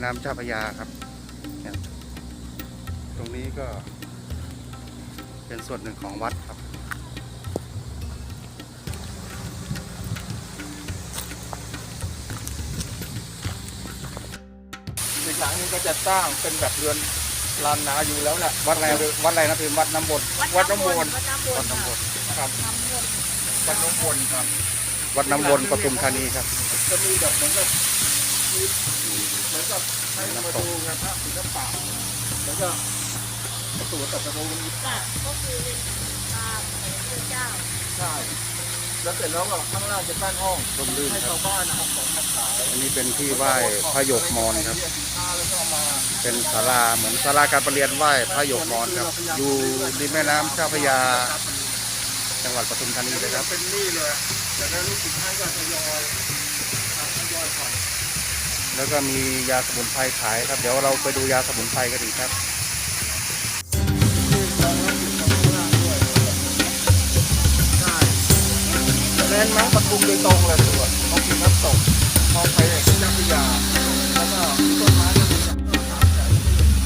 น้ำเจ้าพระยาครับเนี่ยตรงนี้ก็เป็นส่วนหนึ่งของวัดครับอีกหลังนึงก็จะสร้างเป็นแบบเรือนลานนาอยู่แล้วแหละวัดอะไรนะพี่วัดน้ำบนวัดน้ำวนวัดน้ำบนครับวัดน้ำวนครับวัดน้ำบนปทุมธานีครับจะมีแบบเหมือนกับให้มาดูงานพระศิลปะแล้วก็ประตูตัดประตูนี้ก็คือเป็นตามพระเจ้าใช่แล้วเสร็จแล้วก็ข้างล่างจะตั้งห้องร่มรื่นให้ครัชาบวบ้านนะครับของมาขายอันนี้เป็นที่ไหว้พระหยกมอญครับเรียกสินค้าแล้วก็เอามาเป็นศาลาเหมือนศาลาการประเรียนไหว้พระหยกมอญครับ อยู่ริมแม่น้ำเจ้าพระยา จังหวัดปทุมธานีเลยครับเป็นหนี้เลยแต่แล้วลูกศิษย์ท่านก็ทยอยผ่อนแล้วก็มียาสมุนไพรขายครับ เดี๋ยวเราไปดูยาสมุนไพรกันดีครับใช่แลนด์มาร์คปทุมโดยตรงเลยตัวท้องถิ่นน้ำตกท้องไปเอกเจ้าพระยาแล้วก็ต้นไม้ก็มีจากต้นสามแสน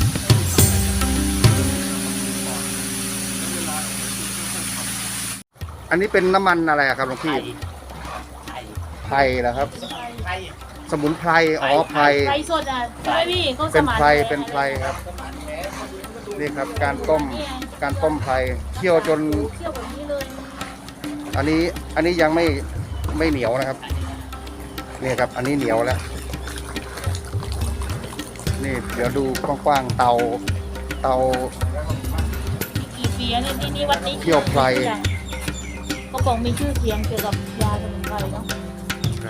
อันนี้เป็นน้ำมันอะไรอะครับหลวงพี่ไพรเหรอครับ สมุนไพรอ๋อไพรไพรสดอ่ะใช่ไหมพี่เขาสเป็นมานไพรเป็นไพรครับ นี่ครับการต้มไพรเคี่ยวจนเคี่ยวแบบนี้เลยอันนี้ยังไม่เหนียวนะครับนี่ครับ อันนี้เหนียวแล้วนี่เดี๋ยวดูกว้างๆเตากี่ปีแล้วเนี่ยนี่วัดนี้เคี่ยวไพรเขาบอกมีชื่อเสียงเกี่ยวกับยาสมุนไพรเนาะครับ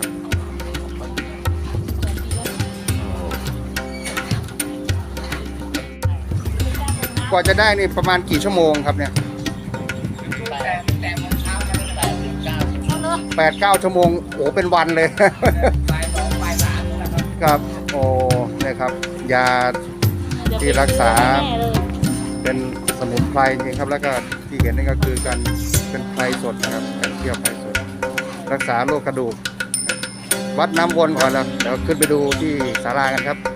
กว่าจะได้นี่ประมาณกี่ชั่วโมงครับเนี่ยแต่โมงเช้าจะได้8-9 8-9 ชั่วโมงโอ้เป็นวันเลยบ่าย2บ่าย3นี่แหละครับครับโอ้เนี่ยครับ ยา ที่รักษาแน่เลยเป็นสมุนไพรจริงครับ แล้วก็ที่เห็นนี่ก็คือการเป็นไพรสดนะครับการเคี่ยวไพรสด รักษาโรคกระดูก วัดน้ำวนก่อนแล้วเดี๋ยวขึ้นไปดูที่ศาลากันครับ